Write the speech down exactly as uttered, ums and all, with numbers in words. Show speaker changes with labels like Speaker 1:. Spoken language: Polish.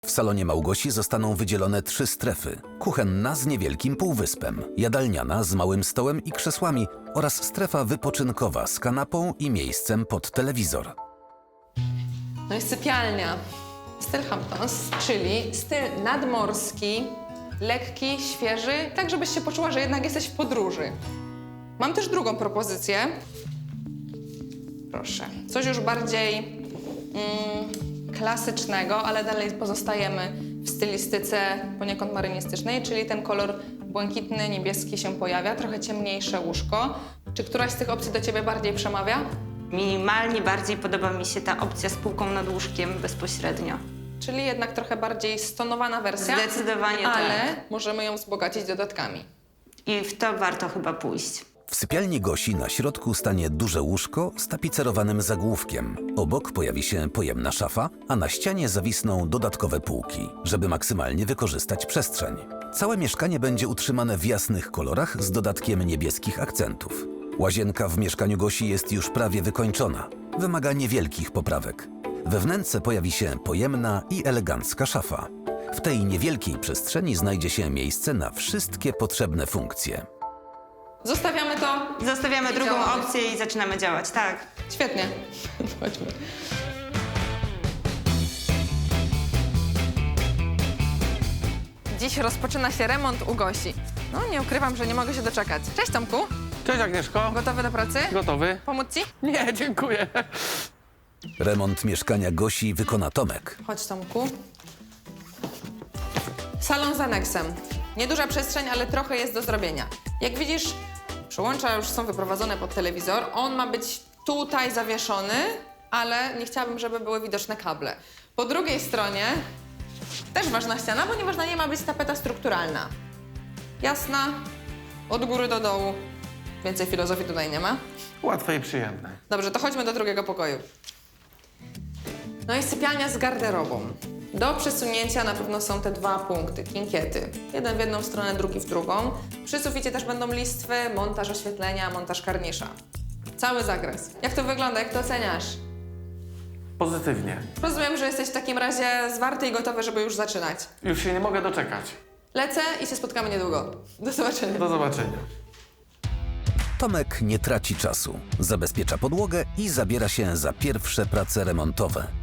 Speaker 1: W salonie Małgosi zostaną wydzielone trzy strefy. Kuchenna z niewielkim półwyspem, jadalniana z małym stołem i krzesłami oraz strefa wypoczynkowa z kanapą i miejscem pod telewizor.
Speaker 2: No i sypialnia. Styl Hamptons, czyli styl nadmorski, lekki, świeży, tak żebyś się poczuła, że jednak jesteś w podróży. Mam też drugą propozycję. Proszę. Coś już bardziej mm, klasycznego, ale dalej pozostajemy w stylistyce poniekąd marynistycznej, czyli ten kolor błękitny, niebieski się pojawia, trochę ciemniejsze łóżko. Czy któraś z tych opcji do ciebie bardziej przemawia?
Speaker 3: Minimalnie bardziej podoba mi się ta opcja z półką nad łóżkiem bezpośrednio.
Speaker 2: Czyli jednak trochę bardziej stonowana wersja.
Speaker 3: Zdecydowanie
Speaker 2: ale
Speaker 3: tak.
Speaker 2: możemy ją wzbogacić dodatkami.
Speaker 3: I w to warto chyba pójść.
Speaker 1: W sypialni Gosi na środku stanie duże łóżko z tapicerowanym zagłówkiem. Obok pojawi się pojemna szafa, a na ścianie zawisną dodatkowe półki, żeby maksymalnie wykorzystać przestrzeń. Całe mieszkanie będzie utrzymane w jasnych kolorach z dodatkiem niebieskich akcentów. Łazienka w mieszkaniu Gosi jest już prawie wykończona. Wymaga niewielkich poprawek. We wnętrze pojawi się pojemna i elegancka szafa. W tej niewielkiej przestrzeni znajdzie się miejsce na wszystkie potrzebne funkcje.
Speaker 2: Zostawiamy to.
Speaker 3: Zostawiamy
Speaker 2: I
Speaker 3: drugą
Speaker 2: działamy.
Speaker 3: opcję i zaczynamy działać, tak.
Speaker 2: Świetnie. Chodźmy. Dziś rozpoczyna się remont u Gosi. No, nie ukrywam, że nie mogę się doczekać. Cześć, Tomku.
Speaker 4: Cześć Agnieszko.
Speaker 2: Gotowy do pracy?
Speaker 4: Gotowy?
Speaker 2: Pomóc ci?
Speaker 4: Nie, dziękuję.
Speaker 1: Remont mieszkania Gosi wykona Tomek.
Speaker 2: Chodź, Tomku. Salon z aneksem. Nieduża przestrzeń, ale trochę jest do zrobienia. Jak widzisz, przełącza już są wyprowadzone pod telewizor. On ma być tutaj zawieszony, ale nie chciałabym, żeby były widoczne kable. Po drugiej stronie też ważna ściana, ponieważ na niej ma być tapeta strukturalna. Jasna, od góry do dołu. Więcej filozofii tutaj nie ma.
Speaker 4: Łatwe i przyjemne.
Speaker 2: Dobrze, to chodźmy do drugiego pokoju. No i sypialnia z garderobą. Do przesunięcia na pewno są te dwa punkty, kinkiety. Jeden w jedną stronę, drugi w drugą. Przy suficie też będą listwy, montaż oświetlenia, montaż karnisza. Cały zakres. Jak to wygląda, jak to oceniasz?
Speaker 4: Pozytywnie.
Speaker 2: Rozumiem, że jesteś w takim razie zwarty i gotowy, żeby już zaczynać.
Speaker 4: Już się nie mogę doczekać.
Speaker 2: Lecę i się spotkamy niedługo. Do zobaczenia.
Speaker 4: Do zobaczenia.
Speaker 1: Tomek nie traci czasu, zabezpiecza podłogę i zabiera się za pierwsze prace remontowe.